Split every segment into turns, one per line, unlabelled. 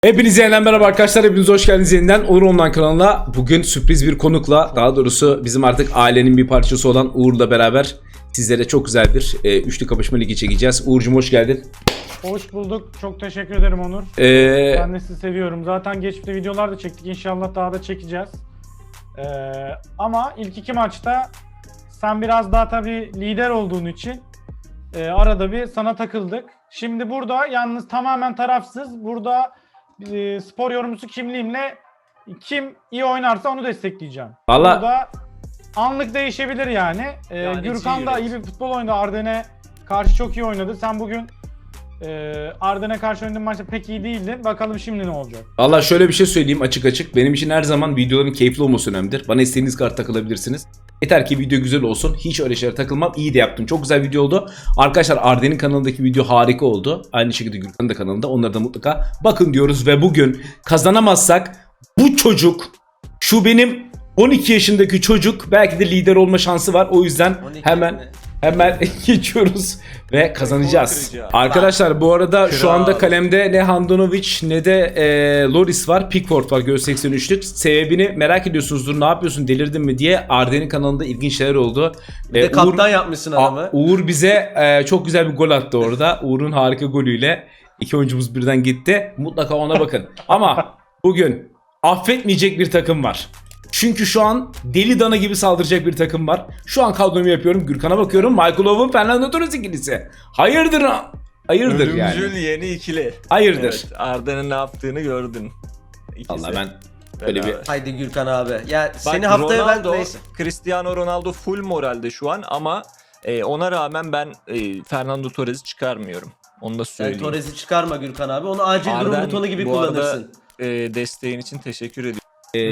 Hepinize yeniden merhaba arkadaşlar, hepiniz hoş geldiniz yeniden Onur Online kanalına. Bugün sürpriz bir konukla, daha doğrusu bizim artık ailenin bir parçası olan Uğur'la beraber sizlere çok güzel bir üçlü kapışma ligi çekeceğiz. Uğur'cum hoş geldin.
Hoş bulduk. Çok teşekkür ederim Onur. Ben de sizi seviyorum. Zaten geçmişte videolar da çektik. İnşallah daha da çekeceğiz. Ama ilk iki maçta sen biraz daha tabii lider olduğun için arada bir sana takıldık. Şimdi burada yalnız tamamen tarafsız. Burada spor yorumcusu kimliğimle kim iyi oynarsa onu destekleyeceğim.
Vallahi
Burada anlık değişebilir yani. Gürkan da iyi bir futbol oynadı. Arden'e karşı çok iyi oynadı. Sen bugün Arden'e karşı oynadığın maçta pek iyi değildin. Bakalım şimdi ne olacak?
Valla şöyle bir şey söyleyeyim açık açık. Benim için her zaman videoların keyifli olması önemlidir. Bana istediğiniz kadar takılabilirsiniz. Yeter ki video güzel olsun. Hiç öyle şeylere takılmam. İyi de yaptım. Çok güzel video oldu. Arkadaşlar Arden'in kanalındaki video harika oldu. Aynı şekilde Gürkan'ın da kanalında. Onları da mutlaka bakın diyoruz. Ve bugün kazanamazsak bu çocuk, şu benim 12 yaşındaki çocuk belki de lider olma şansı var. O yüzden hemen geçiyoruz ve kazanacağız. Arkadaşlar bu arada şu anda kalemde ne Handanovic ne de Loris var. Pickford var göğüs 83'lük. Sebebini merak ediyorsunuzdur. Ne yapıyorsun, delirdin mi diye. Arden'in kanalında ilginç şeyler oldu.
Bir de kaptan yapmışsın adamı.
Uğur bize çok güzel bir gol attı orada. Uğur'un harika golüyle iki oyuncumuz birden gitti. Mutlaka ona bakın. Ama bugün affetmeyecek bir takım var. Çünkü şu an deli dana gibi saldıracak bir takım var. Şu an kadromu yapıyorum. Gürkan'a bakıyorum. Michael Owen, Fernando Torres ikilisi. Hayırdır
Ölümcül
yani.
yeni ikili.
Hayırdır.
Evet, Arda'nın ne yaptığını gördün. İkisi.
Vallahi ben böyle bir...
Haydi Gürkan abi. Ya
Bak,
seni haftaya
Ronaldo,
ben neyse.
Cristiano Ronaldo full moralde şu an ama ona rağmen ben Fernando Torres'i çıkarmıyorum. Onu da
Sen
söyleyeyim.
Torres'i çıkarma Gürkan abi. Onu acil durum
Arden,
butonu gibi
bu arada,
kullanırsın.
desteğin için teşekkür ediyorum.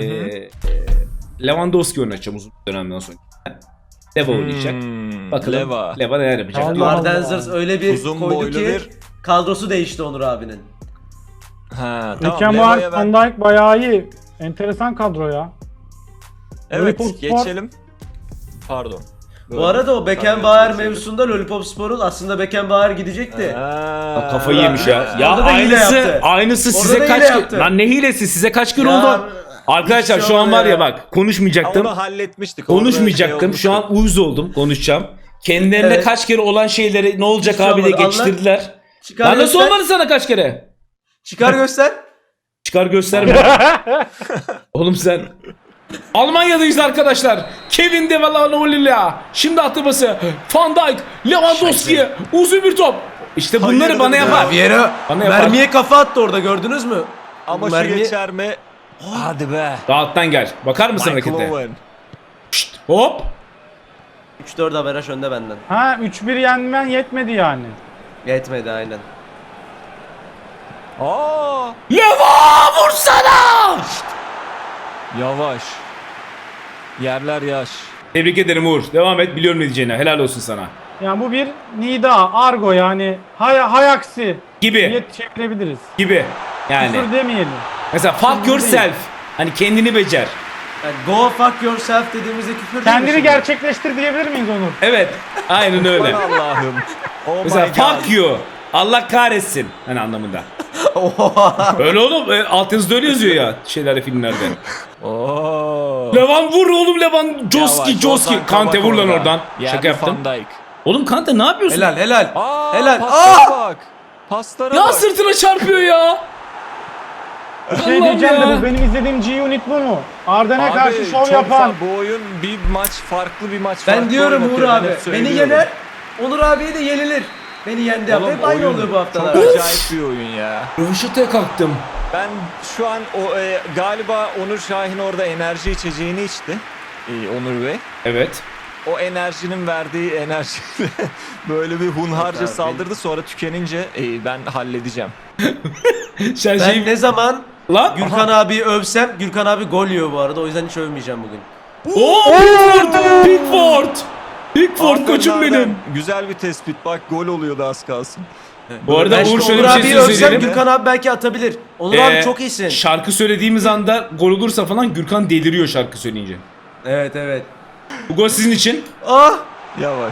Lewandowski oynayacağım uzun bir dönemden sonra. Leva oynayacak. Bakalım Leva neler yapacak.
Allah
Arden
Allah.
Zers öyle bir
Uzun
koydu
boylu
ki
bir...
kadrosu değişti Onur abinin.
Ha, tamam.
Beckenbauer,
Leva'ya
Van
ben...
Dijk bayağı iyi. Enteresan kadro ya.
Evet,
Liverpool Spor-
geçelim. Pardon.
Bu arada o Beckenbauer
Geçelim.
mevzusunda Lollipop Spor'un aslında Beckenbauer gidecekti.
Ha,
Kafayı yemiş ya. Ya
Orada da hile yaptı.
aynısı
Orada
size
da
kaç
hile
kere...
yaptı.
Lan ne hilesi, size kaç kere
Ya,
oldu? Arkadaşlar
hiçbir şey
şu an var
olmadı
ya
ya.
bak konuşmayacaktım.
Onu halletmiştik. Orada
Konuşmayacaktım.
şey
Şu
olmuştu.
an uyuz oldum. Konuşacağım. Kendilerine
Evet.
kaç kere olan şeyleri ne olacak
Hiçbir şey
abi diye
olmadı.
geçiştirdiler.
Çıkar
Lan nasıl
göster.
olmadı sana kaç kere?
Çıkar göster.
Çıkar gösterme. Oğlum sen. Almanya'dayız arkadaşlar. Kevin De Valanoğlu'yla. Şimdi atılması. Van Dijk, Lewandowski. Uzun bir top. İşte bunları
Hayırdır
bana
ya?
yapar.
Viera
Bana yapar.
mermiye kafa attı orada, gördünüz mü?
Ama şu geçer mi? Hadi be.
Rahattan gel. Bakar mısın
Michael
harekete?
Owen.
Hop.
3-4 averaj önde benden.
Ha 3-1 yenmen yetmedi yani.
Yetmedi aynen.
Aa!
Leva vursana.
Yavaş. Yerler yaş.
Tebrik ederim Uğur. Devam et. Biliyorum ne diyeceğini. Helal olsun sana.
Yani bu bir nida, argo yani hayaksi
Gibi.
diye çevirebiliriz.
Gibi. Yani.
Küfür demeyelim.
Mesela fuck yourself. Hani kendini becer.
Yani go fuck yourself dediğimizde küfür değil mi
Kendini
şimdi?
gerçekleştir diyebilir miyiz Onur?
Evet. Aynen öyle.
Aman Allah'ım. Oh
Mesela
my God.
fuck you. Allah kahretsin. Hani anlamında. Öyle oğlum. Altyazıda öyle yazıyor ya. Şeylerde, filmlerde.
Oo.
Levan vur oğlum Levan. Joski.
Ozan
Kante
Kabak
vur lan
orada.
oradan.
Yerli
Şaka yaptım.
Van Dijk.
Oğlum Kante ne yapıyorsun?
Helal helal.
Aa,
Helal.
paslara bak. Paslara
Ya
bak.
sırtına çarpıyor ya.
Bir şey
Allah'ım
diyeceğim de
ya.
bu benim izlediğim G-Unit bu mu? Arden'e
Abi,
karşı şov
çok
yapan.
Bu oyun bir maç, farklı bir maç.
Ben
farklı
diyorum Uğur
oynatıyor, ben
abi.
hep
Beni
söylüyorum.
yener. Onur abiye de yenilir. Beni yendi yaptı.
Oğlum,
Hep aynı
oyun
oluyor bu haftalar.
Çok acayip bir oyun ya.
Röveşata'ya kalktım.
Ben şu an galiba Onur Şahin orada enerji içeceğini içti. Onur Bey.
Evet.
O enerjinin verdiği enerjiyle böyle bir hunharca
Yok abi.
saldırdı, sonra tükenince ben halledeceğim.
Sen
Ben ne zaman
Lan.
Gürkan abiyi övsem, Gürkan abi gol yiyor bu arada. O yüzden hiç övmeyeceğim bugün.
Oo, Pickford. Pickford koçum
Arkadan
benim.
Güzel bir tespit, bak gol oluyordu az kalsın.
Bu arada
Ben
Uğur
şimdi
şöyle
Onur
bir şey
abiyi övsem
söyleyelim.
Gürkan abi belki atabilir. Onur abi çok iyisin.
Şarkı söylediğimiz anda gol olursa falan Gürkan deliriyor şarkı söyleyince.
Evet evet.
Bu gol sizin için.
Ah!
Yavaş.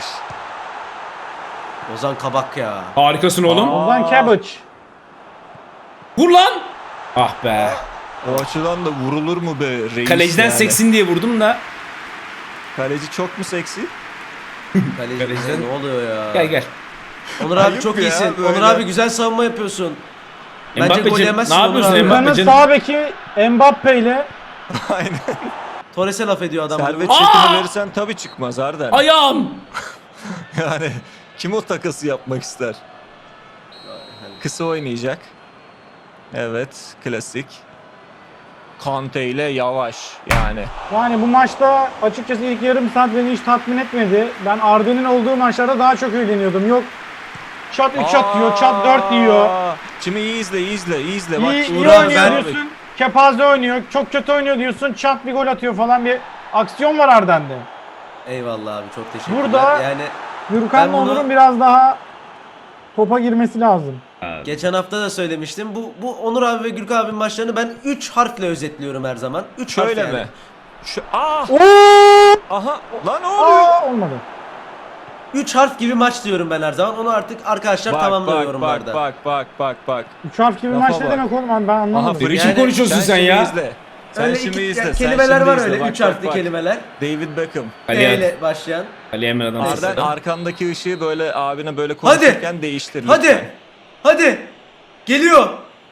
Ozan Kabak ya.
Harikasın oğlum.
Ozan Cabbage.
Vur lan. Ah be.
O açıdan da vurulur mu be reis
Kaleciden
yani?
seksin diye vurdum da.
Kaleci çok mu seksi?
Kaleci ne oluyor ya?
Gel gel.
Onur abi
Ayıp
çok
ya,
iyisin.
böyle.
Onur abi güzel savunma yapıyorsun. Bence gol
Mbappe'cim,
yemezsin
ne
Onur
yapıyorsun
abi.
Mbappe?
Buranın
Mbappe'cim.
sağ beki Mbappe ile
Aynen.
Torres'e laf ediyor adam.
Servet
Aa!
çekini verirsen tabii çıkmaz Arden.
Ayağım.
Yani kim o takası yapmak ister? Kısa oynayacak. Evet, klasik. Kante ile yavaş yani.
yani bu maçta açıkçası ilk yarım saat beni hiç tatmin etmedi. Ben Arden'in olduğu maçlarda daha çok eğleniyordum. Yok çat 3 atıyor, çat 4 yiyor.
Şimdi iyi izle, iyi izle, iyi izle. Bak,
İyi
Uğur abi,
oynuyor
ben-
diyorsun. Kepaze oynuyor. Çok kötü oynuyor diyorsun. Çat bir gol atıyor falan, bir aksiyon var Arden'de.
Eyvallah abi, çok teşekkürler.
Burada-
Yani
Gürkan'la
Ben bunu-
Onur'un biraz daha topa girmesi lazım.
geçen hafta da söylemiştim. Bu Onur abi ve Gürkan abinin maçlarını ben 3 harfle özetliyorum her zaman. 3 harf
şöyle
yani.
mi? Ah!
Oo!
Aha! Lan ne oluyor?
Aa, olmadı.
3 harf gibi maç diyorum ben her zaman. Onu artık arkadaşlar tamamlıyor yorumlarda.
Bak.
3 harf gibi
Lafa
maç ne
bak.
demek oğlum, ben anlamadım.
Ne biçim
Yani
konuşuyorsun sen
şimdi
ya?
Izle. Sen
Öyle
şimdi
iki
izle. sen
kelimeler
şimdi
var,
izle.
öyle
Bak,
3 harfli
bak.
kelimeler.
David Beckham.
D
Ali,
ile başlayan.
Ali Emre adam.
Arda-
Arden arkandaki ışığı böyle abine böyle konuşurken değiştir lütfen.
Hadi. Hadi. Geliyor.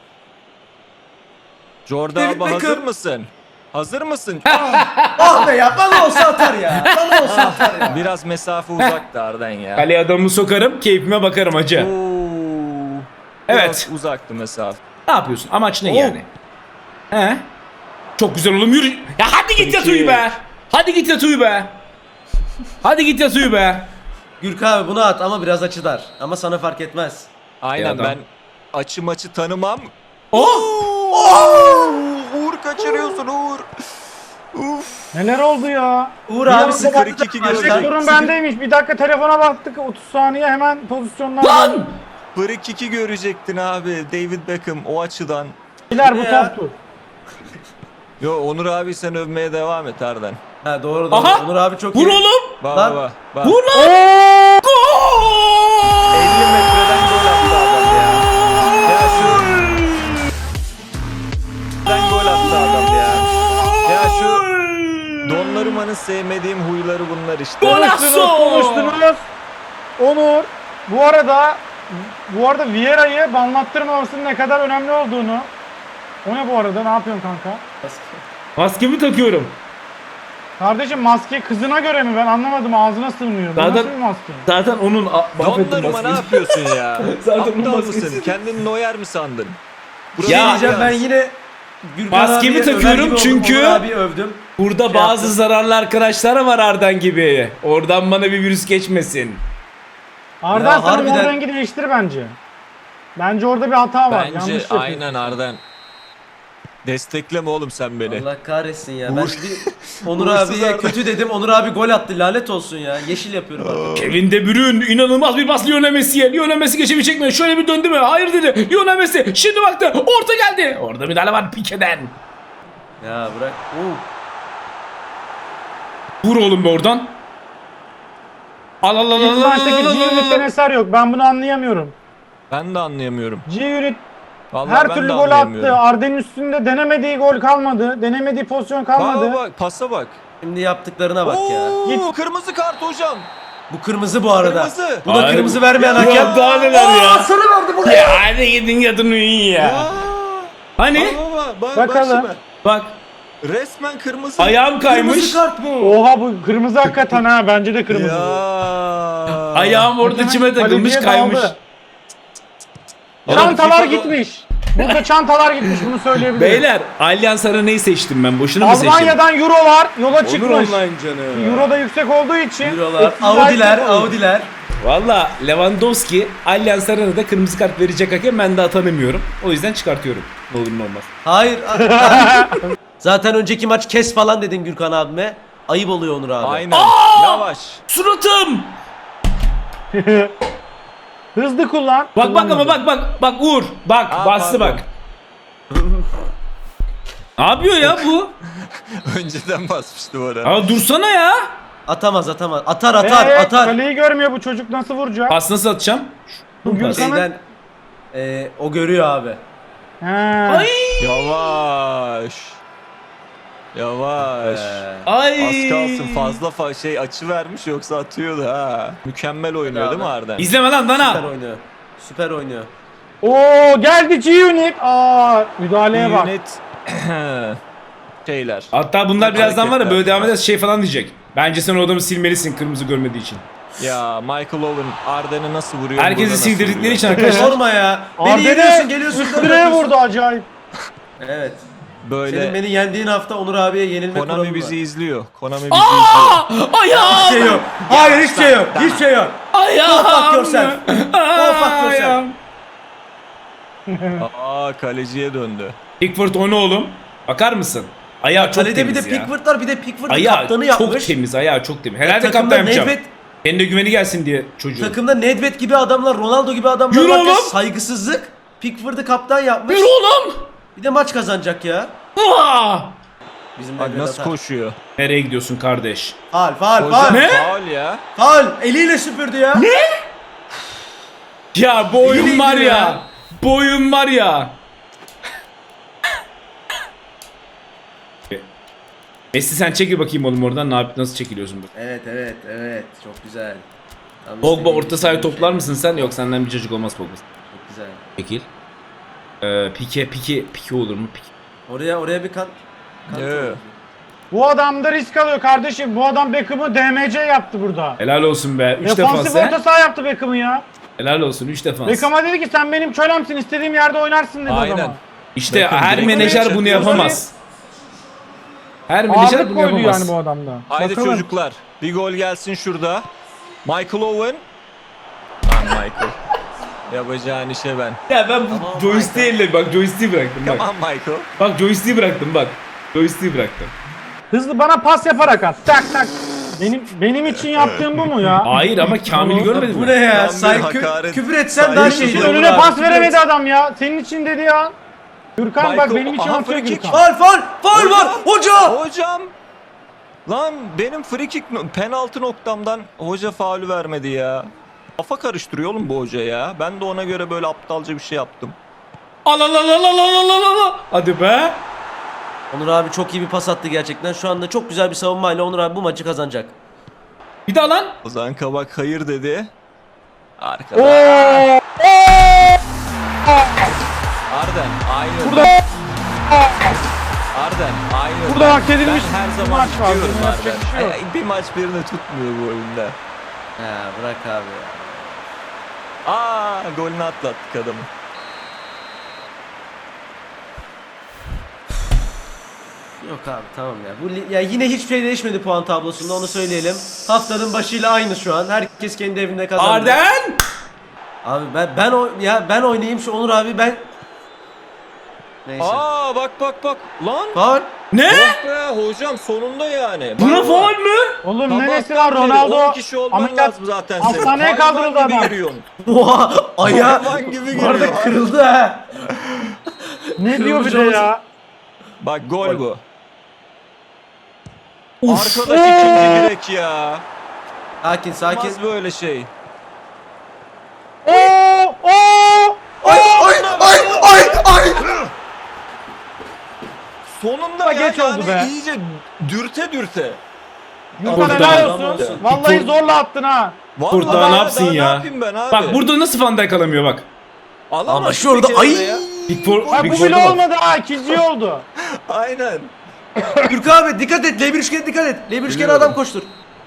Jordan
David
abi hazır
Beckham.
mısın? Hazır mısın?
Ah be ya, bana olsa atar ya. Bana olsa atar ya.
Biraz mesafe uzaktı Arden ya.
Kaleye adamı sokarım, keyfime bakarım hacı.
Oo.
Evet.
Biraz uzaktı mesafe.
Ne yapıyorsun? Amaç ne
Oo.
yani? He? Çok güzel oğlum, yürü. Ya hadi git yat
Peki.
uyu be. Hadi git yat uyu be. Hadi git yat uyu be.
Gürkan abi bunu at ama biraz açı dar. Ama sana fark etmez.
Aynen
adam.
ben açı maçı tanımam.
Oh!
Uğur kaçırıyorsun Uğur.
Neler oldu ya?
Uğur
Bir
abi
anda
sıkıntı.
42 gördük.
Sorun bendeymiş. Bir dakika telefona baktık. 30 saniye hemen pozisyonlar.
Lan!
Break 2 görecektin abi. David Beckham o açıdan.
Beyler bu
Ya.
toptu.
Yo Onur abi sen övmeye devam et Arden.
Ha doğru.
Aha!
Onur abi çok
Vur
iyi.
oğlum.
Bak
Lan.
bak bak.
Vur lan. Gol!
50 metreden gol attı adam ya. Ya şu gol attı adam ya. Ya şu Donnarumma'nın sevmediğim huyları bunlar işte.
Golazo!
Konuştunuz. Onur. Bu arada Vieira'yı banlattırmamasının ne kadar önemli olduğunu. O ne bu arada? Ne yapıyorsun kanka?
Maskemi takıyorum.
Kardeşim maske kızına göre mi? Ben anlamadım. Ağzına sığmıyor. Bu
Zaten-
nasıl bir maske?
Zaten onun
Donnarumma ne yapıyorsun ya?
Zaten
Aptal
onun maskesi.
mısın? Kendini Neuer mi sandın?
Bir şey
Ya-
diyeceğim, ben yine Gürkan
Maskemi
abiye över
takıyorum
gibi oldum,
çünkü-
Onur abi övdüm.
Burada
Şey
bazı
yaptım.
zararlı arkadaşlar var Ardan gibi. Oradan bana bir virüs geçmesin.
Arda
Ya
sen
harbiden-
mor rengi değiştir bence. Bence orada bir hata var.
Bence
Yanlış yapıyorsun.
aynen Arden. Destekleme oğlum sen beni.
Allah kahretsin ya. Ben
Uğur-
bir Onur
Uğursuz
abiye
Arda.
kötü dedim. Onur abi gol attı. Lanet olsun ya. Yeşil yapıyorum artık.
Kevin De Bruyne inanılmaz bir pas Lionel Messi'ye. Lionel Messi geçebilecek mi? Şöyle bir döndü mü? Hayır dedi. Lionel Messi şimdi baktı. Orta geldi. Orada müdahale var Pique'den.
Ya bırak.
Vur oğlum be oradan. Al al al
İlk
al al
maçtaki
al, al,
G-Unit'ten
al.
eser yok. Ben bunu anlayamıyorum.
Ben de anlayamıyorum.
G-Unit
Vallahi
her
ben
türlü
de
gol attı.
anlayamıyorum.
Arden'in üstünde denemediği gol kalmadı. Denemediği pozisyon kalmadı.
Bak pasa bak.
Şimdi yaptıklarına bak ya.
Oo, kırmızı kart hocam.
Bu kırmızı bu arada.
Kırmızı.
Buna
Hayır.
kırmızı vermeyen
Ya,
hakem.
daha neler ya?
Sarı verdi bu.
Ya hadi gidin yatın uyuyun ya.
Ya.
Hani?
Bak
Bakalım.
şimdi.
Bak
Resmen kırmızı.
ayağım kaymış.
Kırmızı kart bu.
Oha, bu kırmızı hakikaten ha. Bence de kırmızı.
Ya.
bu.
Ayağım orada çime takılmış
Kaleciye
kaymış.
daldı.
Oğlum,
Çantalar
FIFA'da-
gitmiş. Burada çantalar gitmiş, bunu söyleyebilirim.
Beyler Allianz Arena'yı seçtim ben. Boşuna mı seçtim?
Almanya'dan Euro'lar yola
Olur
çıkmış.
online canım.
Euro da yüksek olduğu için.
Eurolar,
etkisiz
Audi'ler,
hareket oldu.
Audi'ler.
Valla Lewandowski Allianz Arena'da kırmızı kart verecek hakem, ben daha tanımıyorum. O yüzden çıkartıyorum. Ne olur ne olmaz.
Hayır. Zaten önceki maç kes falan dedin Gürkan abime. Ayıp oluyor Onur abi.
Aynen. Yavaş.
Suratım!
Hızlı kullan.
Bak bak ama bak Uğur. Bak
Aa,
bastı
pardon.
bak. Ne yapıyor ya bu?
Önceden basmıştı bu arada.
Aa dursana ya.
Atamaz. Atar.
Kaleyi görmüyor bu çocuk, nasıl vuracak?
Pas nasıl atacağım?
Bu Gürkan'ın
Şeyden o görüyor abi.
Ha.
Yavaş. Yavaş.
Ay.
Az kalsın fazla şey açı vermiş yoksa atıyordu ha. Mükemmel oynuyor değil mi Arden?
İzleme lan
Süper
Dana.
oynuyor. Süper oynuyor.
Oo geldi G-Unit. Aa müdahaleye bak.
Unit şeyler.
Hatta bunlar birazdan var ya
Hareketler.
böyle devam ederse şey falan diyecek. Bence sen o adamı silmelisin kırmızı görmediği için.
Ya Michael Owen Arden'i nasıl vuruyor?
Herkesi
burada nasıl
sildirdikleri
vuruyor?
için arkadaşlar.
Sorma ya. Beni
Arda'ya
yeniyorsun geliyorsun.
üst
dön
direğe
yapıyorsun.
vurdu acayip.
Evet.
Böyle
Senin beni yendiğin hafta Onur abiye yenilme
Konami
kuralım
bizi
var.
izliyor. Konami bizi izliyor.
Ayağım.
Hiçbir şey yok. Hayır hiçbir şey yok. Hiçbir şey yok.
Ayağım.
Go fuck yourself. Go fuck yourself.
Ayağım.
Aa kaleciye döndü.
Pickford o ne oğlum? Bakar mısın? Ayağı çok
Kalede bir
temiz
de
ya.
Pickford var bir de Pickford'ın
Ayağı
kaptanı
çok
yapmış.
temiz, ayağı çok temiz. Herhalde
Takımda
kaptan yapacağım.
Nedved,
Kendine güveni gelsin diye çocuğun.
takımda Nedved gibi adamlar, Ronaldo gibi adamlar
Yürü
varken
oğlum.
saygısızlık. Pickford'u kaptan yapmış.
Yürü oğlum.
Bir de maç kazanacak ya.
Aa!
Bizim
Bak
Nedved
nasıl
atar.
koşuyor.
Nereye gidiyorsun kardeş?
Faul faul
Hocam
faul.
Ne?
faul ya.
Faul. Eliyle süpürdü ya.
Ya bu oyun
İyi
var ya.
ya.
Bu oyun var ya. Messi sen çekil bakayım oğlum oradan. Nasıl çekiliyorsun bu?
Evet evet evet çok güzel. Tam
Pogba
istediğim
orta sahaya
şey.
toplar mısın sen? Yok senden bir çocuk olmaz Pogba.
Çok güzel.
Çekil. Pike olur mu? Pike.
Oraya bir kan.
Evet.
Bu adam da risk alıyor kardeşim. Bu adam Beckham'ı DMC yaptı burada.
Helal olsun be. 3
Defansif
defans
orta
he.
saha yaptı Beckham'ı ya.
Helal olsun 3 defans.
Beckham'a dedi ki sen benim kölemsin, istediğim yerde oynarsın dedi
Aynen.
adama.
İşte
Bakın,
her
direkt
menajer
oraya
bunu
çakıyorlar.
yapamaz. Her menajer
Ağırlık
bunu
koydu
yapamaz.
yani bu adamda.
Haydi
Bakalım.
çocuklar. Bir gol gelsin şurada. Michael Owen. Lan Michael. Yapacağın işe ben.
Ya ben bu
Tamam,
joystick'le elle bak joystick'i bıraktım bak.
Tamam Michael.
Bak joystick'i bıraktım bak. Joystick'i bıraktım.
Hızlı bana pas yaparak at. Tak tak. Benim için yaptığım bu mu ya?
Hayır ama Kamil'i görmedin
Bu
mi?
ne ya?
Tam bir
Say
hakaret.
küfür etsen
Saygı
daha
duyuyorum.
şey.
Senin önüne pas veremedi adam ya. Senin için dedi ya. Gürkan bak
Michael-
benim için
Aha,
atıyor
free kick.
Gürkan.
Faul var. Hoca.
Hocam. Lan benim free kick penaltı noktamdan hoca faulü vermedi ya. Kafa karıştırıyor oğlum bu hoca ya. Ben de ona göre böyle aptalca bir şey yaptım.
Al al al al al al al al. Hadi be.
Onur abi çok iyi bir pas attı gerçekten. Şu anda çok güzel bir savunmayla Onur abi bu maçı kazanacak.
Bir daha lan.
Ozan Kabak hayır dedi. Arkada.
Oo!
Arden aynı.
Burada
Arden aynı.
Burada hak edilmiş
Ben her
bir
zaman
maç var.
diyorum
Bunun yapacak
Arden.
bir şey yok.
Bir maç birini tutmuyor bu oyunda.
Ha bırak abi ya.
Aa golünü atlattık adamı.
Yok abi tamam ya. Ya yine hiçbir şey değişmedi puan tablosunda onu söyleyelim. Haftanın başıyla aynı şu an. Herkes kendi evinde kazandı.
Arden.
Abi ben oynayayım şu Onur abi ben. Neyse.
Aa bak Lan.
Faul.
Ne?
Oh be hocam sonunda yani.
Buna
Bak,
faul mü?
Oğlum neresi
sabahtan
var
beri
Ronaldo?
10 kişi olman
Ameliyat
lazım zaten senin.
hastaneye
Hayvan
kaldırıldı
gibi
adam.
yürüyorsun.
Oha ayağı.
Hayvan gibi
Bu arada
giriyor.
kırıldı ha.
Ne diyor bir de
Kırmızı
ya?
Bak gol bu.
Uf.
Arkadaş ikinci direk ya.
Sakin sakin.
Olmaz böyle şey.
Oo! Oo!
Ay.
Sonunda ya,
geç oldu be.
iyice dürte.
Gürkan
Burada.
helal
Adam
olsun.
olsun.
Vallahi zorla attın ha.
Vallahi
Burada
ya,
ne yapsın
daha
ya?
Ne yapayım ben abi?
Bak burada nasıl Van Dijk alamıyor bak.
Alamaz
Ama
bir
şurada
kere
ay.
de ya.
Pickford,
Bak bu
Pickford'a
bile
bak.
olmadı ha. İkinci oldu.
Aynen.
Gürkan abi dikkat et. L1 üçgene dikkat et. L1 üçgene
Biliyorum.
adam koştur.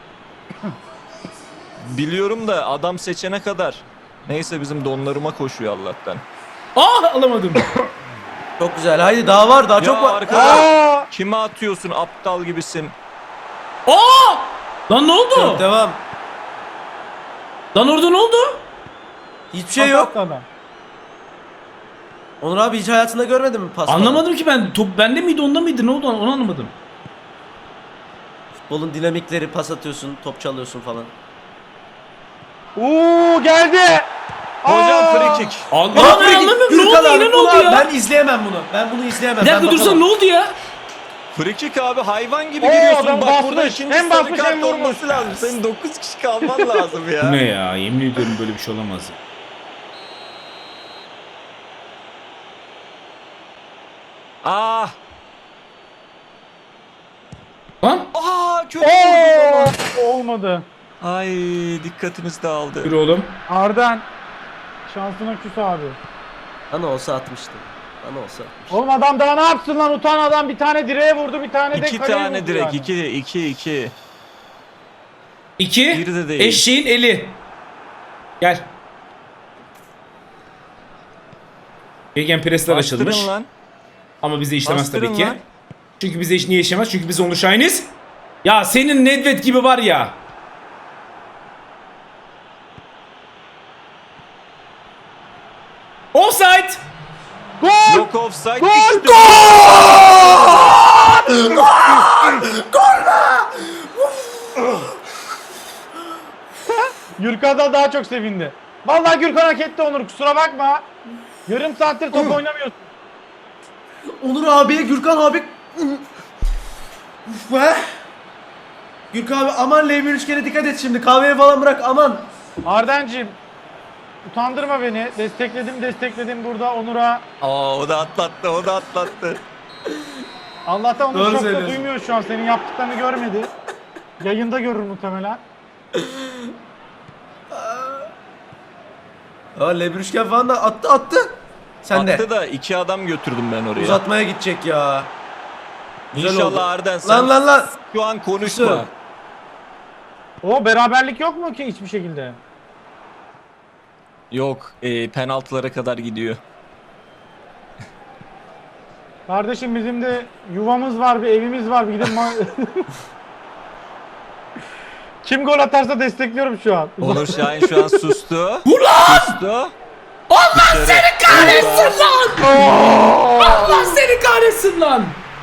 Biliyorum da adam seçene kadar. Neyse bizim donlarıma koşuyor Allah'tan.
Ah alamadım.
Çok güzel. Haydi daha var. Daha çok
Ya
var.
arkadaş.
Aa!
Kime atıyorsun aptal gibisin?
Aa! Lan ne oldu?
Devam.
Lan orada ne oldu?
Hiçbir şey yok.
Attı adam.
Onur abi hiç hayatında görmedin mi pas?
Anlamadım ki ben. Top bende miydi onda mıydı ne oldu onu anlamadım.
Futbolun dinamikleri pas atıyorsun, top çalıyorsun falan.
Oo geldi.
Hocam
Aa!
free kick.
Allah
Aa,
ben anlamıyorum ne
Gürkan
oldu
abi,
yine ne oldu
ulan
ya?
Ben izleyemem bunu. Ben bunu izleyemem.
Bir dakika
Ben
dursana
bakamam.
ne oldu ya?
Free kick abi hayvan gibi
Oo,
giriyorsun.
adam
Bak burada
basmış.
ikinci
Hem
sarı
basmış,
kart
hem vurmuş.
olması lazım. Senin 9 kişi kalman lazım
Bu
ya.
ne ya? Yemin ediyorum böyle bir şey olamaz ya.
Ah!
Lan.
Kötü vurdum ama.
Olmadı.
Ay dikkatimiz dağıldı.
Yürü oğlum.
Arden. Şansına küs abi.
Bana olsa atmıştım. Bana olsa atmıştım.
Oğlum adam daha ne yapsın lan, utan adam, bir tane direğe vurdu, bir tane de
İki
kaleye
tane
vurdu
direkt.
yani.
2.
2.
Bir de değil.
Eşeğin eli. Gel. Gegenpressler açılmış.
Bastırın lan.
Ama bize işlemez
Bastırın
tabii ki.
lan.
Çünkü bize niye işlemez? Çünkü biz onu Shiniz. Ya senin Nedved gibi var ya. Offside.
Gol!
Yok offside.
Gol!
işte.
Gürkan'dan daha çok sevindi. Vallahi Gürkan hak etti Onur, kusura bakma. Yarım saattir top oynamıyorsun.
Onur abiye Gürkan abi. Uf be. Gürkan abi aman L1 üçgene dikkat et şimdi. Kahveye falan bırak aman.
Ardencim, utandırma beni. Destekledim burada Onur'a.
O da atlattı.
Allah'tan Onur
Doğru
çok da
söylüyorsun.
duymuyor şu an. Senin yaptıklarını görmedi. Yayında görür muhtemelen.
L1 üçgen falan da attı. Sen de.
Attı da 2 adam götürdüm ben oraya.
Uzatmaya gidecek ya. Güzel oldu.
İnşallah Arden sen
Lan.
şu an konuşma.
Kusur.
O beraberlik yok mu ki hiçbir şekilde?
Yok penaltılara kadar gidiyor.
Kardeşim bizim de yuvamız var, bir evimiz var. Bir gidip kim gol atarsa destekliyorum şu an.
Onur Şahin şu an sustu. Sustu.
Allah seni kahretsin lan. Allah seni kahretsin lan.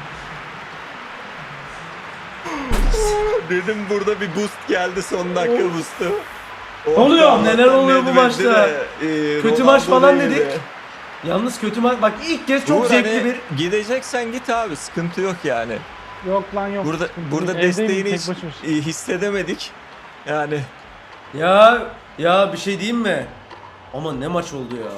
Dedim burada bir boost geldi, son dakika boost'u.
Ne oluyor?
Neler oluyor bu maçta? Kötü maç falan
değildi.
dedik. Yalnız kötü maç. Bak ilk kez çok
Uğur,
zevkli
hani
bir.
gideceksen git abi, sıkıntı yok yani.
Yok lan yok.
Burada
Evdeyim,
desteğini
tek
hiç
başıma.
hissedemedik. Yani
Ya bir şey diyeyim mi? Ama ne maç oldu ya.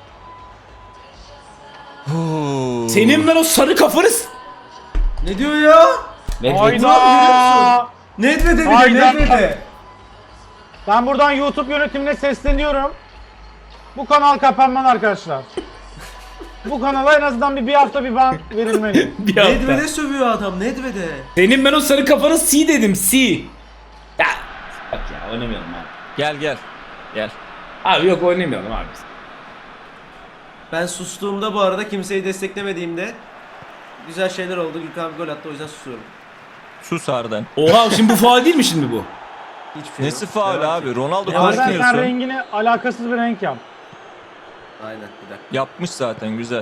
Senin ben o sarı kafanız.
Ne diyor ya?
Hayda!
Nedved'e bile
Hayda.
Nedved'e.
Ben buradan YouTube yönetimine sesleniyorum. Bu kanal kapanmalı arkadaşlar. Bu kanala en azından bir hafta bir ban verilmeli.
Bir hafta.
Nedved'e sövüyor adam Nedved'e.
Senin ben o sarı kafanı C dedim, C. Ya. Bak ya, oynamayalım abi.
Gel.
Abi yok, oynamayalım abi.
Ben sustuğumda bu arada, kimseyi desteklemediğimde güzel şeyler oldu. Gürkan abi gol attı, o yüzden susuyorum.
Sus Arden.
Oha, şimdi bu faul değil mi şimdi bu?
Hiçbir şey
Nesi
yok.
faul
Devam
abi?
et.
Ronaldo
Ya
Arden sen
koşmuyorsun.
rengini alakasız bir renk yap.
Aynen, bir dakika.
Yapmış zaten, güzel.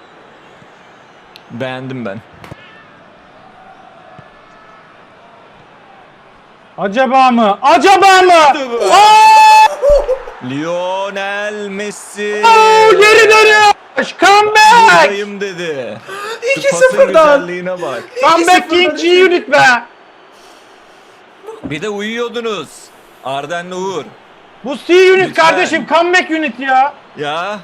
Beğendim ben.
Acaba mı? Acaba mı?
Lionel Messi.
Geri dönüyor. Comeback.
Buradayım dedi. Şu
2-0'dan.
pasın güzelliğine bak.
Comeback King G-Unit be.
Bir de uyuyordunuz. Arden'le Uğur.
Bu C-Unit
Lütfen.
kardeşim, comeback unit ya.
Ya.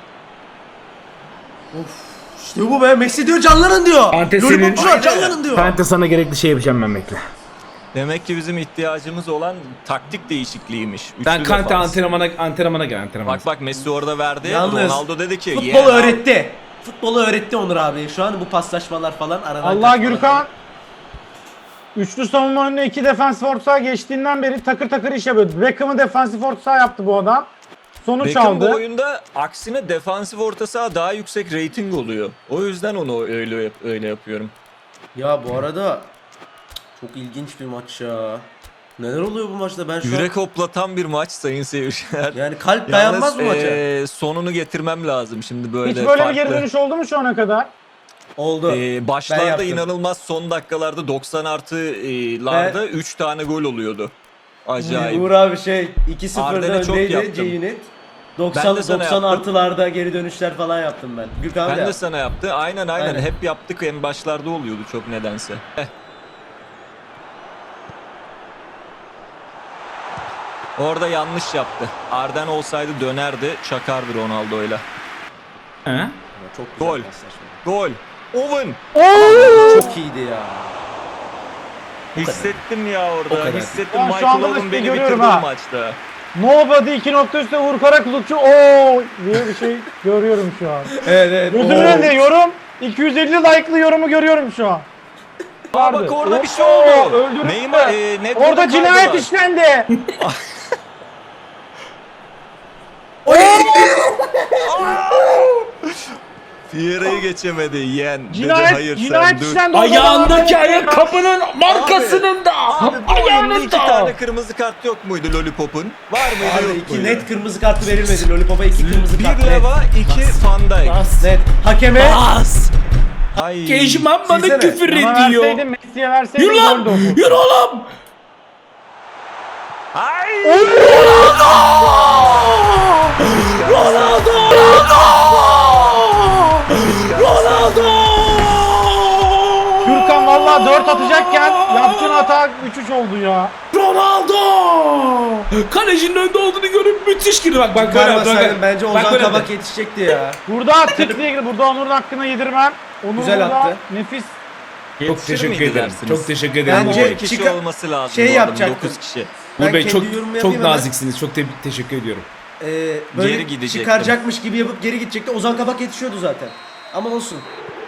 İşte bu be, Messi diyor canlanın diyor.
Ante
Lollipopçular
senin-
canlanın diyor.
Ben de sana gerekli şey yapacağım, ben bekle.
Demek ki bizim ihtiyacımız olan taktik değişikliğiymiş.
Ben
Üçlü
Kante
defans.
antrenmana gel, antrenmana.
Bak Messi orada verdi.
Yalnız
Ronaldo dedi ki
futbolu öğretti. Futbolu öğretti Onur abi. Şu an bu paslaşmalar falan aradan
Allah
kaçmalar.
Gürkan. Üçlü savunma önüne iki defansif orta saha geçtiğinden beri takır takır iş yapıyor. Beckham'ı defansif orta saha yaptı bu adam. Sonuç
Beckham bu
aldı.
oyunda aksine defansif orta saha daha yüksek rating oluyor. O yüzden onu öyle yapıyorum.
Ya bu arada çok ilginç bir maç ya. Neler oluyor bu maçta, ben şu
Yürek hoplatan bir maç sayın seyirciler.
an... Yani kalp dayanmaz bu maça.
Sonunu getirmem lazım şimdi böyle
Hiç böyle bir
farklı.
geri dönüş oldu mu şu ana kadar?
Oldu. Ben
Başlarda
yaptım.
inanılmaz, son dakikalarda 90 artılarda 3 tane gol oluyordu. Acayip.
Uğur abi 2-0'da
Arden'e çok
öndeydi
yaptım.
G-Unit.
Ben
90
de sana
90
yaptım.
artılarda geri dönüşler falan yaptım ben. Gürkan
Ben
abi
de
de
sana yaptı. Aynen.
Aynen.
Hep yaptık, en başlarda oluyordu çok nedense. Orada yanlış yaptı. Arden olsaydı dönerdi, çakardı Ronaldo'yla.
He?
Çok güzel
Gol.
paslaşma.
Gol. Owen.
Çok iyiydi ya.
Hissettim ya
O
orada.
kadar.
Hissettim
Ya şu
Michael
anda da
Owen
sizi
beni
görüyorum
bitirdi
ha.
bu maçta.
Nobody 2 nokta üstte Uğur Karakulukçu ooo diye bir şey görüyorum şu an.
Evet.
Gözümün önünde yorum 250 like'lı yorumu görüyorum şu an.
Aa bak orada bir şey
Oo,
oldu.
öldürüldü.
Neymar netball'u
Orada cinayet
kaydılar.
işlendi.
Fiera'yı geçemedi yeğen. Dedi
Cinayet,
hayır
cinayet
sen dur.
işlendi.
Ayağındaki ayakkabının markasının da.
Abi bu oyunda iki
Ayağının
tane
da.
kırmızı kart yok muydu Lollipop'un? Var mıydı
Abi
yok
2
muydu?
net kırmızı kartı verilmedi. Lollipop'a 2 kırmızı kart.
Bir Leva, iki Van Dijk.
Net. Hakeme
Bas.
Ay.
Kejman bana
Silsene.
küfür
Ama
ediyor.
verseydin Messi'ye verseydin
Yürü
gol
lan.
de olur.
Yürü oğlum.
Ay.
Ronaldo. Ronaldo.
Gürkan vallahi 4 atacakken yaptığın hata 3-3 oldu ya.
Ronaldo. Kalecinin önde olduğunu görüp müthiş girdi. Bak bak böyle yaptı,
vermeseydin
bak.
bence
Bak
Ozan
böyle
Kabak
yaptı.
yetişecekti ya.
Burada tık diye girdi. Burada Onur'un hakkını yedirmem. Onur
Güzel
burada
attı.
nefis.
Çok
Yetişir
teşekkür
miydi
ederim.
dersiniz?
Çok teşekkür ederim.
Bence
10 kişi
çıkar-
olması lazım.
şey
bu adamın,
yapacaktım.
9 kişi.
Ben
Uğur Bey
kendi
çok
yorumumu
çok
yapayım hemen.
naziksiniz. Çok teşekkür ediyorum.
Böyle
Geri gidecektim.
çıkaracakmış gibi yapıp geri gidecekti. Ozan Kabak yetişiyordu zaten. Ama olsun.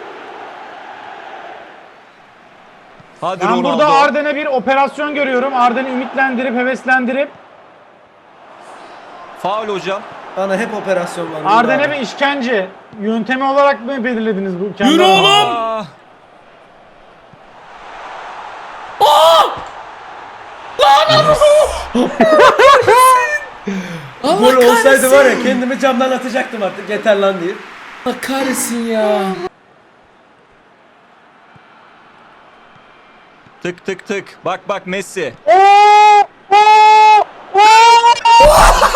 Hadi
Ben
Ronaldo.
burada Arden'e bir operasyon görüyorum. Arden'i ümitlendirip, heveslendirip
Faul hocam.
Bana hep operasyon var.
Arden'e bir işkence yöntemi olarak mı belirlediniz bu? Kendi
Yürü
aranızda?
oğlum.
Aa,
Gol olsaydı var ya kendimi camdan atacaktım artık yeter lan diye.
Allah kahretsin ya.
tık tık tık. Bak bak Messi.
Oo! Oo! Oo!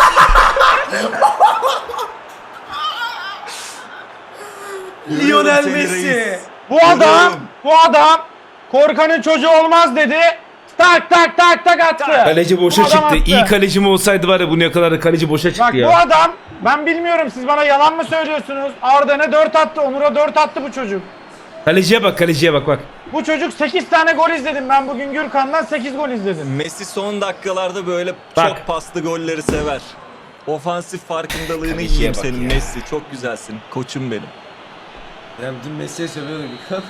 Lionel
Seni
Messi.
reis.
Bu adam korkanın çocuğu olmaz dedi. Tak tak tak tak attı.
Kaleci boşa
Bu adam
çıktı.
attı.
İyi kaleci mi olsaydı var ya bugüne kadar da kaleci boşa çıktı
Bak
ya.
bu adam ben bilmiyorum siz bana yalan mı söylüyorsunuz? Arden'e 4 attı, Onur'a 4 attı bu çocuk.
Kaleciye bak, kaleciye bak bak.
Bu çocuk 8 tane gol izledim ben bugün Gürkan'dan 8 gol izledim.
Messi son dakikalarda böyle
Bak.
çok paslı golleri sever. Ofansif farkındalığını
Kaleciye
yiyeyim
bak
senin
ya.
Messi. Çok güzelsin. Koçum benim.
Ben dün Messi'ye sövüyordum.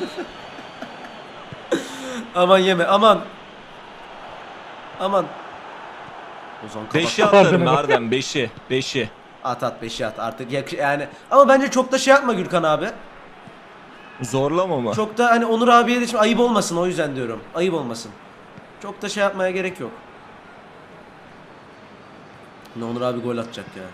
Aman yeme aman. Aman. Ozan Kabak.
5'i atarım Arden 5'i. 5'i.
At 5'i at artık yani. Ama bence çok da şey yapma Gürkan abi.
Zorlama mı?
Çok da hani Onur abiye de şimdi ayıp olmasın o yüzden diyorum. Ayıp olmasın. Çok da şey yapmaya gerek yok. Ne Onur abi gol atacak ya.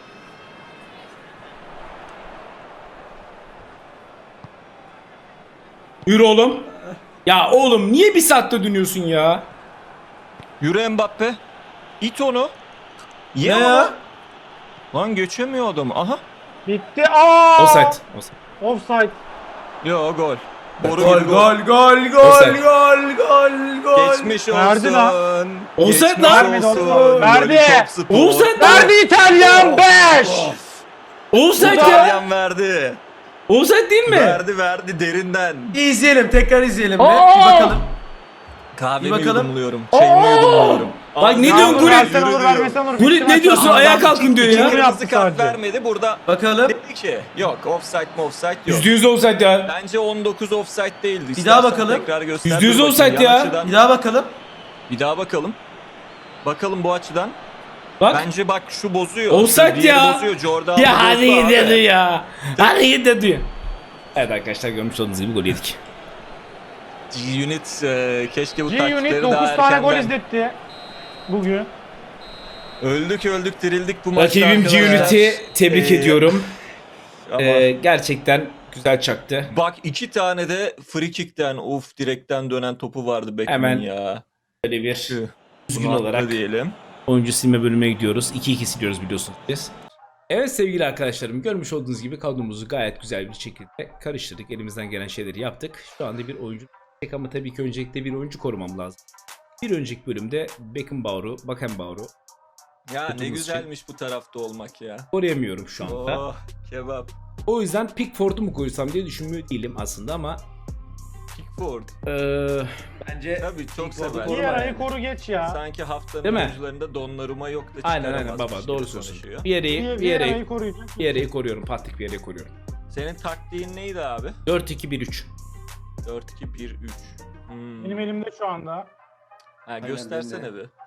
Yürü oğlum. Ya oğlum niye bir saatte dönüyorsun ya?
Yürü Mbappe. İt onu. Ye
Ne
onu.
ya?
Lan geçemiyor adam. Aha.
Bitti. Aa!
Offside. Offside.
Offside.
Yo gol. Boru
Gol
gibi
gol gol gol
Offside.
gol gol gol.
Geçmiş
Verdi
olsun.
lan.
Offside
Geçmiş
lan.
Vermedi
olsun.
oğlum. Verdi.
Lollipop spor.
Offside lan.
Verdi İtalyan 5.
Offside ya.
İtalyan verdi.
Offside değil mi?
Verdi derinden.
Bir izleyelim tekrar izleyelim be.
Aa!
Bir bakalım.
Kahvemi
Bir bakalım.
yudumluyorum. Çayımı yudumluyorum.
Bak ne
Ya
diyorsun
Onur
Gullit?
versen olur vermesen olur.
Gullit
Bitti
ne
maç.
diyorsun?
Aa,
Ayağa
ben-
kalkın diyor
İkinci
ya.
mi yaptı
Kırmızı kart
sadece?
vermedi. Burada
Bakalım.
dedi ki yok offside mi offside yok.
%100 offside ya.
Bence 19 offside değildi.
Bir daha
İstersen
bakalım.
Tekrar göster.
%100
Dur bakayım,
offside
yan
ya.
açıdan.
Bir daha bakalım.
Bir daha bakalım. Bakalım bu açıdan.
Bak.
Bence bak şu bozuyor.
Offside
Diğeri
ya.
bozuyor. Jordan
Ya hadi
bozdu abi.
gidelim ya. Hadi gidelim. Evet arkadaşlar görmüş olduğunuz gibi gol yedik.
G-Unit keşke bu
G-Unit
taktikleri
9
daha
tane gol
erkenden.
izletti. Bugün.
Öldük dirildik bu maçta
Rakibim
arkadaşlar.
G-Unit'i tebrik ediyorum.
Ama
Gerçekten güzel çaktı.
bak 2 tane de free kick'ten direkten dönen topu vardı Beckham'ın
Hemen
ya.
Böyle bir
Tüh.
üzgün
Bunu
olarak
atla diyelim.
oyuncu silme bölümüne gidiyoruz. 2-2 siliyoruz biliyorsunuz biz. Evet sevgili arkadaşlarım görmüş olduğunuz gibi kadromuzu gayet güzel bir şekilde karıştırdık. Elimizden gelen şeyleri yaptık. Şu anda bir oyuncu ama tabii ki öncelikle bir oyuncu korumam lazım. Bir önceki bölümde Beckenbauer'u
Ya ne
Kutumuz
güzelmiş bu tarafta olmak ya.
koruyamıyorum şu anda.
Oh kebap.
O yüzden Pickford'u mu koysam diye düşünmüyor değilim aslında ama
Pickford.
Bence
Tabii çok
Pickford'u
sever.
koruma
Vieira'yı
yani.
koru geç ya.
Sanki haftanın
Değil mi?
oyuncularında Donnarumma yok da
aynen
çıkaramazmış
baba
gibi
doğru söylüyorsun.
konuşuyor.
Vieira'yı koruyacak.
Vieira'yı koruyorum. Patrick Vieira'yı koruyorum.
Senin taktiğin neydi abi?
4-2-1-3.
4-2-1-3.
Benim elimde şu anda.
Ha, göstersene
benim de.
bir.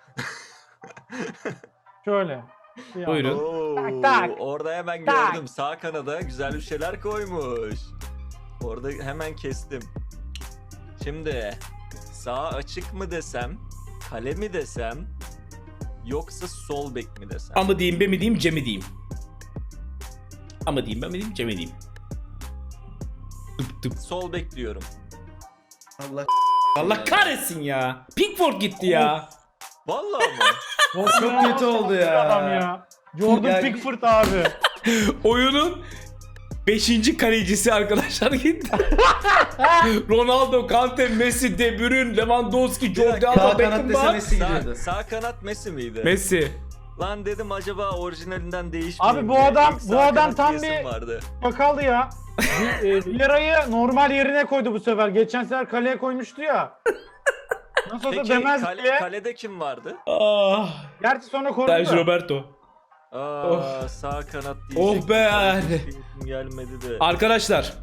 Şöyle. Bir
Buyurun.
Oo,
Tak, tak.
orada hemen
Tak.
gördüm. Sağ kanada güzel bir şeyler koymuş. Orada hemen kestim. Şimdi sağ açık mı desem, kale mi desem, yoksa sol bek mi desem?
Ama diyeyim be mi diyeyim C mi diyeyim. Ama diyeyim be mi diyeyim C mi diyeyim. Tıp tıp.
Sol bek diyorum.
Allah
Allah kahretsin ya. Pickford gitti ya.
Vallahi mı?
çok kötü oldu
Adam
ya.
ya. Jordan
Ya-
Pickford abi.
Oyunun 5. kalecisi arkadaşlar gitti. Ronaldo, Kante, Messi, De Bruyne, Lewandowski, Jordi
Sağ
Alba,
kanat dese
Beckenbauer.
Messi
Sağ,
gidiyordu.
sağ kanat Messi miydi?
Messi.
Lan dedim acaba orijinalinden değişmiyor.
Abi bu adam- bu adam tam
diyesim
bir-
vardı.
Bakaldı ya. Vieira'yı normal yerine koydu bu sefer. Geçen sefer kaleye koymuştu ya. Nasıl olsa
Peki
demez diye.
kalede kim vardı?
Ah.
Gerçi sonra korudu
Sergio
da.
Roberto.
Aa, sağ kanat
Oh
diyecektim.
be
Kalede
yani.
kim gelmedi de.
Arkadaşlar.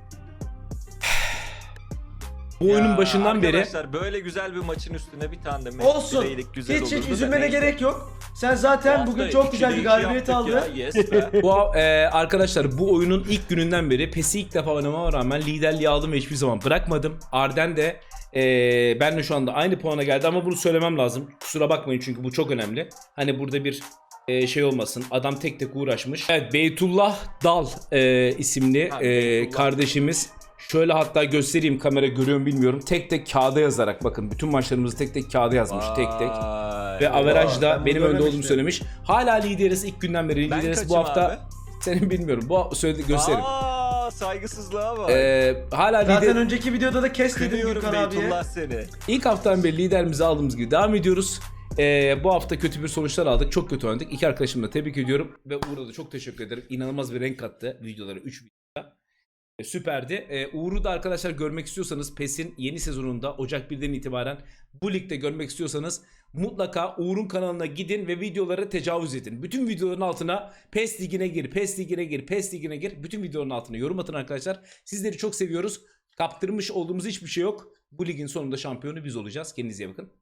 Bu oyunun
Ya
başından beri
Arkadaşlar böyle güzel bir maçın üstüne bir tane de Messi
Olsun.
bileydik güzel
Hiç
olurdu da
üzülmene
neyse.
gerek yok. Sen zaten
Bu
bugün
hafta
çok güzel bir
2'de 2
galibiyet
yaptık
aldın.
ya, yes be.
arkadaşlar bu oyunun ilk gününden beri PES'i ilk defa oynamama rağmen liderliği aldım ve hiçbir zaman bırakmadım. Arden de ben de şu anda aynı puana geldi ama bunu söylemem lazım. Kusura bakmayın çünkü bu çok önemli. Hani burada bir şey olmasın. Adam tek tek uğraşmış. Evet, Beytullah Dal isimli
Ha, Beytullah.
kardeşimiz. Şöyle hatta göstereyim, kamera görüyor mu bilmiyorum. Tek tek kağıda yazarak, bakın bütün maçlarımızı tek tek kağıda yazmış. Tek tek.
Vay.
Ve averajda
ben bunu
benim önde olduğumu
görmemiştim.
söylemiş. Hala lideriz ilk günden beri.
Ben
Lideriz bu
kaçım
hafta.
abi?
Senin bilmiyorum. Bu söyledi gösteririm.
Aa, saygısızlığa bak.
Hala
Zaten
lider.
önceki videoda da kes dedim
Kınıyorum
Gürkan abiye.
Beytullah seni.
İlk haftadan beri liderimizi aldığımız gibi devam ediyoruz. Bu hafta kötü bir sonuçlar aldık. Çok kötü oynadık. İki arkadaşımı da tebrik ediyorum. Ve Uğur'a da çok teşekkür ederim. İnanılmaz bir renk kattı videolara. 3 videoda. Süperdi. Uğur'u da arkadaşlar görmek istiyorsanız PES'in yeni sezonunda Ocak 1'den itibaren bu ligde görmek istiyorsanız mutlaka Uğur'un kanalına gidin ve videoları tecavüz edin. Bütün videoların altına PES ligine gir, PES ligine gir, PES ligine gir. Bütün videoların altına yorum atın arkadaşlar. Sizleri çok seviyoruz. Kaptırmış olduğumuz hiçbir şey yok. Bu ligin sonunda şampiyonu biz olacağız. Kendinize iyi bakın.